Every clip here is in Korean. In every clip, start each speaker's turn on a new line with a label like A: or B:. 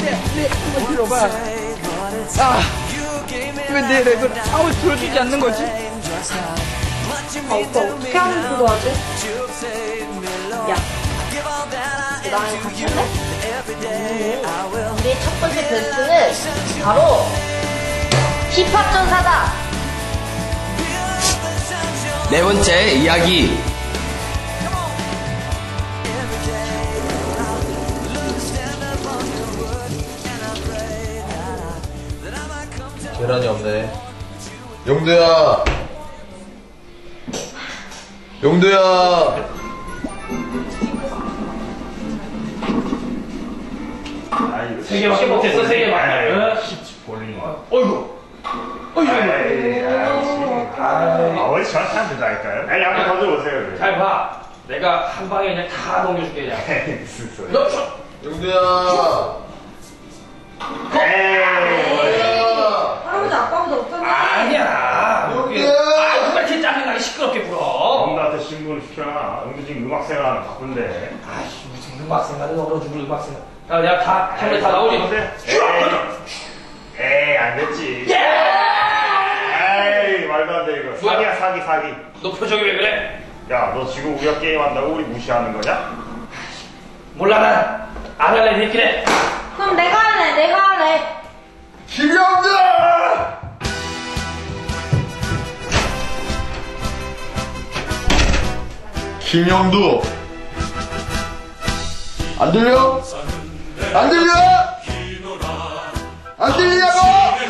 A: 한번 들어봐. 왜 내 랩을 아무 들어주지 않는 거지?
B: 오빠 어떻게 하면 그거 하지? 야, 나랑 같이 할래? 우리의 첫 번째 베스트는 바로 힙합 전사다.
C: 네 번째 이야기.
D: 계란이 없네. 용두야! 용두야!
E: 세 개밖에 못했어, 세 개만. 볼링. 어이구. 어이구.
F: 왜 저한테 안 된다니까요? 아니, 한번 던져보세요.
E: 잘 봐. 내가 한 방에 그냥 다 넘겨줄게, 그냥.
F: 무슨 소리.
E: 너,
D: 용두야!
B: 할아버지 아빠보다 어쩌나?
E: 아니야. 누가 제 짜증나게 시끄럽게 불어.
F: 엄마한테 신고를 시켜놔. 응도 지금 음악 생활하는 바쁜데.
E: 아이씨, 무슨 음악 생활은 얼어 죽을 음악 생활. 야, 내가 다, 템레 다 나오지?
F: 에이, 안 됐지.
E: 예!
F: 에이, 말도 안 돼, 이거.
E: 뭐야?
F: 사기야, 사기.
E: 너 표정이 왜 그래?
F: 야, 너 지금 우리가 게임한다고 우리 무시하는 거냐?
E: 몰라, 난. 안 할래, 니끼네.
B: 그럼 내가 할래.
D: 김영두! 김영두! 안 들려? 안 들려? 안 들리냐고?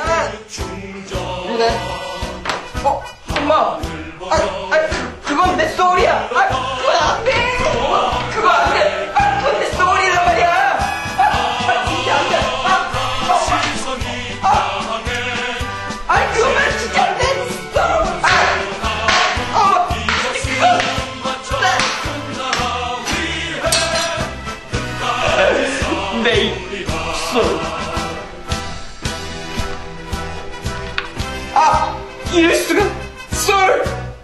D: 그래.
A: 엄마! 그건 내 소울이야! 그건 안 돼! 그거 안 돼! 그건 내 소울이란 말이야! 진짜 안 돼! 그거만 진짜 안 돼! 내 소울. 이럴 수가! 소울!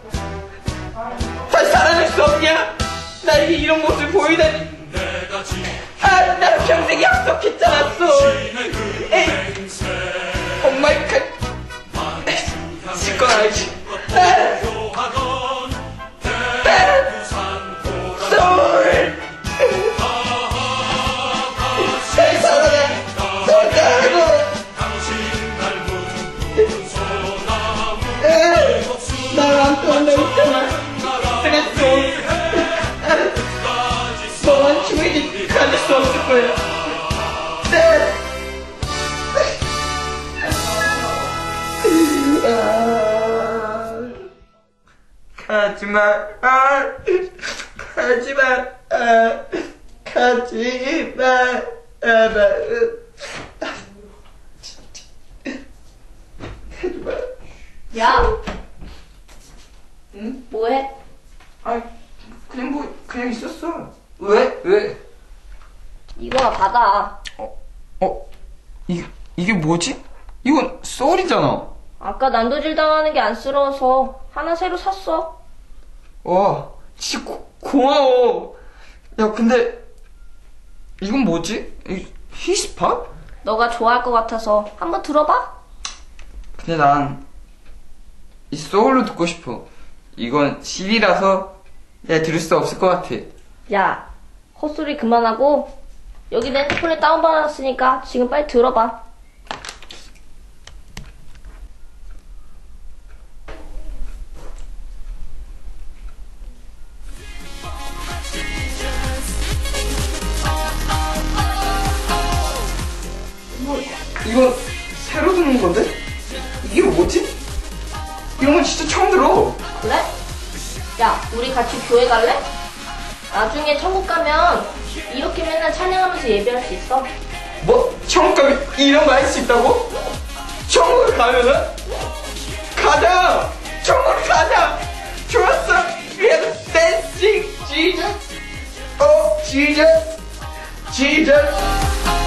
A: 다시 살아날 수 없냐? 나에게 이런 모습을 보이다니. 난 평생 약속했잖아, 소울. 오 마이 갓. 실컷 알지. 소울! 다시 살아나. 나랑 떠나있잖아. 그래, 소울. 너만 죽이지 가질 수 없을 거야. 가지마. 가지마. 가지마. 가지마.
B: 야,
A: 응?
B: 뭐해?
A: 그냥 있었어. 왜?
B: 이거나 받아.
A: 이게 뭐지? 이건 소울이잖아.
B: 아까 난도질 당하는 게 안쓰러워서 하나 새로 샀어.
A: 와, 진짜 고마워. 야, 근데 이건 뭐지? 히스팝?
B: 너가 좋아할 것 같아서 한번 들어봐.
A: 근데 난 이 소울로 듣고 싶어. 이건 CD라서 내가 들을 수 없을 것 같아.
B: 야, 헛소리 그만하고 여기 내 핸드폰에 다운받았으니까 지금 빨리 들어봐.
A: 이건 새로 듣는 건데? 이게 뭐지? 이런 건 진짜 처음 들어.
B: 그래? 야, 우리 같이 교회 갈래? 나중에 천국 가면 이렇게 맨날 찬양하면서 예배할 수 있어.
A: 뭐? 천국 가면 이런 거 할 수 있다고? 천국을 가면은? 가자! 천국을 가자! 좋았어! 그래도 dancing Jesus! Oh, Jesus! Jesus!